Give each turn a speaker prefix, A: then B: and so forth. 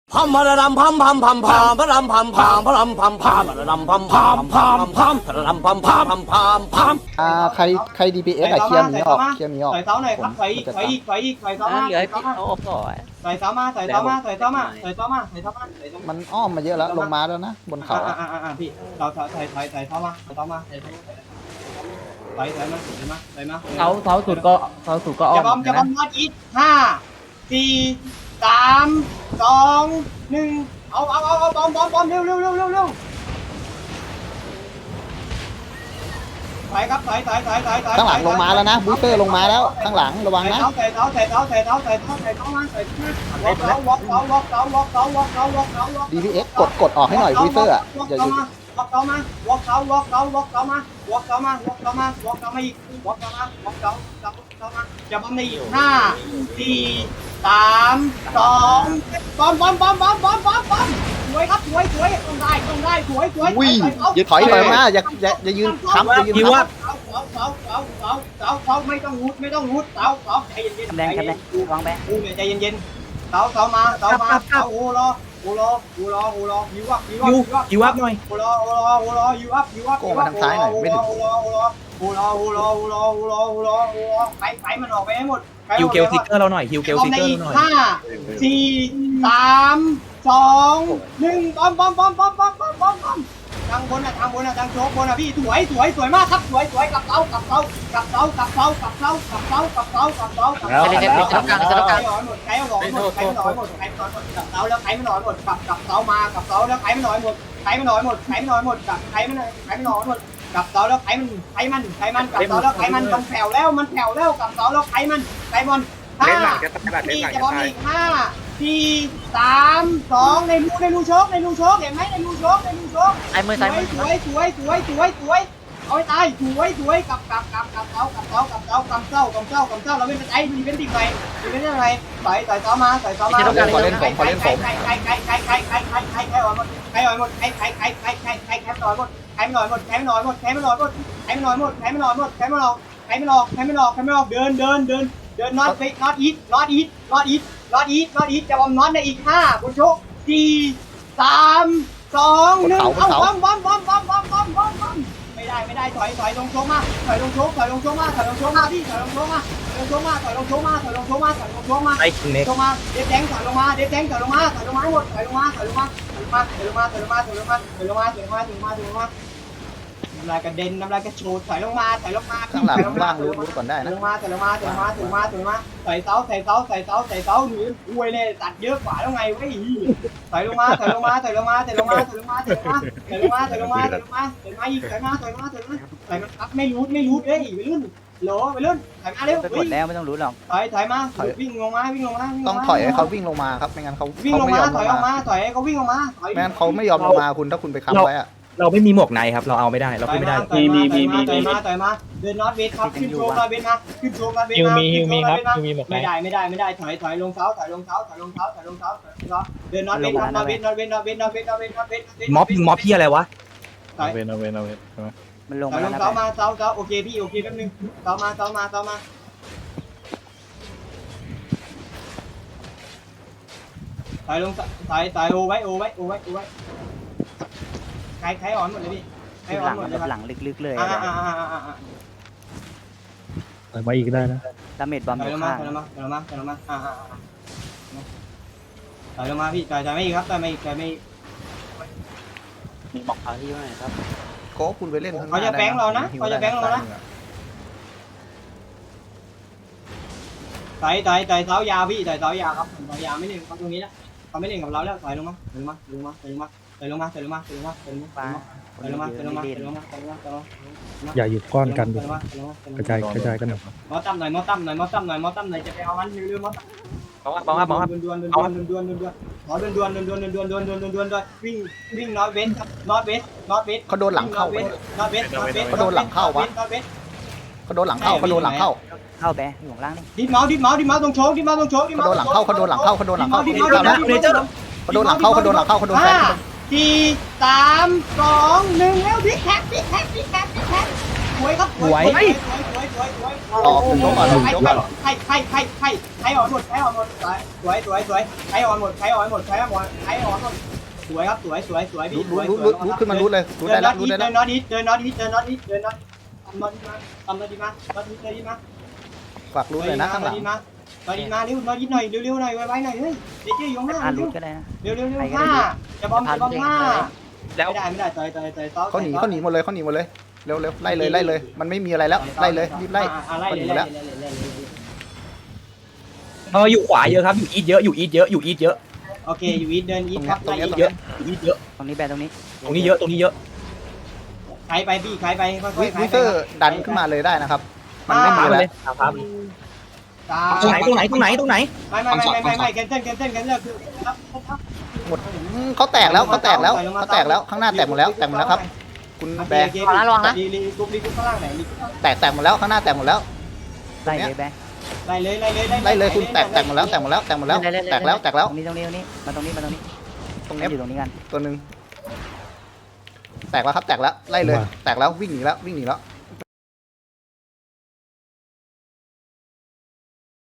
A: พัมพะระดำพัมพัมพัมพัมพะรำพัมพัมพะรำพัมพัมพะระดำพัมพัมพัมพัมพะระดำพัมพัมพัมพัมพัม
B: ใคร DPS อะเคลียร์หมีออกเคลียร์หมีออก
C: ใส่เสาหน่อยครับใส่อีกใส่อีกใส่อีกใส่เสามา
D: เหลือพี่เขาอบก่อน
C: ใส่เสามาใส่เสามาใส่เสามาใส่เสามาใส่เสามาใส่เสามา
B: มันอ้อมมาเยอะแล้วลงมาแล้วนะบนเขา
C: พี่เราใส่เสามาใส่เสามาใส่มาใส่มา
D: เสาสุดก็อ้อ
C: จะบอม
D: ม
C: จะบอมนอตอีท5 4 3 2 1เอาบอมเร็วใส่ครับใส่
B: ข้างหลังลงมาแล้วนะบูสเตอร์ลงมาแล้วข้างหลังระวังนะ
C: ใส่เสามาwalkเสา
B: DPS กดออกให้หน่อยบูสเตอร์อะอย่าหยุด
C: walkเสามา walkเสามาอีก walkเสามาจะบอมในอีก5 4 3 2บอมสวยครับสวยต้องได้สวย
B: อุ้ยอย่าถอยมาอย่ายืนค้ำอย่ายืนค้ำ
C: เสาไม่ต้องรุดเสาใจเย็น
D: คำแดงวางแบง
C: ใจเย็นเสามาโอ้รอยูอัพหน่อยโอ้รอยูอัพ
B: โกงมาทางซ้ายหน่อยไม่ถึง
C: ไปมันออกไปให้หมด
E: ฮิวเกลทิกเกอร์เราหน่อยฮิวเกลทิกเกอร์เราหน่อย
C: 5 4 3 2 1บอมทางบนทางโชกบนพี่สวยมากครับสวยกับเสาใครออกหมดกับเสาแล้วใครไม่หน่อยหมดกับเสามากับเสาแล้วใครไม่หน่อยหมดกับใครไม่หน่อยหมดกับเสาแล้วใครมันกับเสาแล้วใครมันแผ่วแล้วกับเสาแล้วใครมัน5 4จะบอมอีก5 4 3 2ในรูโชกเห็นไหมในรูโชก
D: ไอ้มือซ้ายมือ
C: สวยเอาให้ตายสวยกับเสาเราเป็นไอ้ดีเป็นดิบอะไรใส่เสามาใครออกหมดใครออกหมดใครหมดเดินน็อตอีทจะบอมน็อตในอีก5บนโชก4 3 2 1เอาบอมไม่ได้ถอยลงโชกมาพี่ถอยลงโชกมา
E: ไอ้คิงเน็ก
C: โชกมาเด็ดแดงถอยลงมาหมดถอยลงมาน้ำลายกระเด็นน้ำลายกระโชดถอยลงมา
B: ข้างหลังว่างรู้ก่อนได้นะ
C: ลงมาใส่เสาหนีอวยเลยตัดเยอะกว่าแล้วไงเว้ยถอยลงมาอีกครับไม่รูดเอ้ยไปรุ่นถอยมาเร็ว
D: ไปกดแล้วไม่ต้องรู้หรอก
C: ถอยมาวิ่งลงมา
B: ต้องถอยให้เขาวิ่งลงมาครับไม่งั้นเขา
C: วิ่งลง
B: ไม่ย
C: มา
B: อม
C: ถ
B: ล
C: อย
B: ง
C: ออกมา
B: มา
C: ถอยให้เขาวิ่งลงมาถอย
B: ไม่งั้นเขาไม่ยอมลงมาคุณถ้าคุณไปค้ำไว้อะ
E: เราไม่มีหมวกในครับเราเอาไม่ได้เราขึ้นไม่ได้
C: ถอยมาเดินน็อตเวทครับขึ้นโชว์น็อตเวทมาฮิวมีครับไม่ได้ถอยลงเสาเดินน็อตเวท
E: ม็อบพี่อะไรวะ
C: ถอย
F: เวนใช่ไหม
D: มันลง
C: ถอยล
D: แล้ว
C: ง
D: นะ
C: เสามาโอเคพี่โอเคแป๊บนึงเสามาถอยลงถอยโอไว้ใครอ่อนหมดเลยพี่ใครอ่อนหมดเลย
D: หลังลึกๆเลย
F: แต่มาอีกได้นะ
D: ดาเมจบอม
C: ถ
D: อ
C: อย
D: ยู่
C: ลงมา
D: ข้าง
C: ถอยลงมาพี่ถอยไม่อีกครับถอยไม่อีก
D: มีบอกเขาที่ว่าไงครับ
B: โก้คุณไปเล่นข้างหน้า
C: เขาจะแบงค์เรานะใส่เท้ายาวพี่ใส่เท้ายาวครับเท้ายาวไม่เล่นเขาตรงนี้นะเขาไม่เล่นกับเราแล้วถอยลงมา
F: อย่าหยุดก้อนกันดิกระจายกันหน่อย
C: มอตั้มหน่อยจะไปเอามันเร็วๆมอตั้ม
E: บอกว่า
C: ดวนวิ่งน็อตเวสครับน็อตเวส
B: เขาโดนหลังเข้า
C: น็อตเวส
B: เขาโดนหลังเข้า
D: เข้าแบอยู่ข้างล่างนี่
C: ดิดเมาส์ตรงโชก
B: เขาโดนหลังเข้าเขาโดนหลังเข้า
C: เขาโดนหลังเข้า 5 4 3 2 1แล้วดิแท็กสวยครับสวย
B: ออกถึงโต๊ะก่อนถึงโต๊ะก่อน
C: ใครอ่อนหมดสวยใครอ่อนหมดใครอ่อนหมดสวยครับสวยพี่
B: รูดขึ้นมารูดเลยรูดได้แล้วรูดได้
C: เดิ
B: แล้ว
C: นน็อตอีททำน็อตดีมา
B: ฝากรูดเลยนะข้างหลัง
C: น็อตดีมาเร็วน็อตอีทหน่อยเร็วหน่อยไว้หน่อยเฮ้ยเจ๊อยู่ข้างหน้า
D: อ่านรูดก็ได้นะ
C: เร็วจะบอมห้า
E: แล้ว
C: ไม่ได้ต่อย
B: เขาหนีหมดเลยเร็วไล่เลยมันไม่มีอะไรแล้วไล่เลยรีบไล่เขาหนีแล้ว
E: อยู่ขวาเยอะครับอยู่อีทเยอะอยู่อีทเยอะ
C: โอเคอยู่อีทเดินอีทครับ
B: ตรงนี้
E: เยอะอยู่อีทเยอะ
D: ตรงนี้แบตรงนี้
E: ตรงนี้เยอะ
C: ใครไปพี่ใครไปค่อยๆ
B: วิเซอร์ดันขึ้นมาเลยได้นะครับมันไม่มี
E: มา
B: แล้ว
E: เลยครับ ตรงไหน
C: ไม่แคนเซิลคือ
B: หมดเขาแตกแล้วข้างหน้าแตกหมดแล้วครับคุณแบร์
C: รีกุ๊บข้างล่างไหน
B: แตกหมดแล้วข้างหน้าแตกหมดแล้ว
D: ไล่เลยแบง
C: ไล่เลย
B: คุณแตกหมดแล้วแตกแล้ว
D: ตรงนี้มาตรงนี้
B: ตรงนี้
D: อยู่ตรงนี้กัน
B: ตัวหนึ่งแตกแล้วครับแตกแล้วไล่เลยแตกแล้ววิ่งหนีแล้ว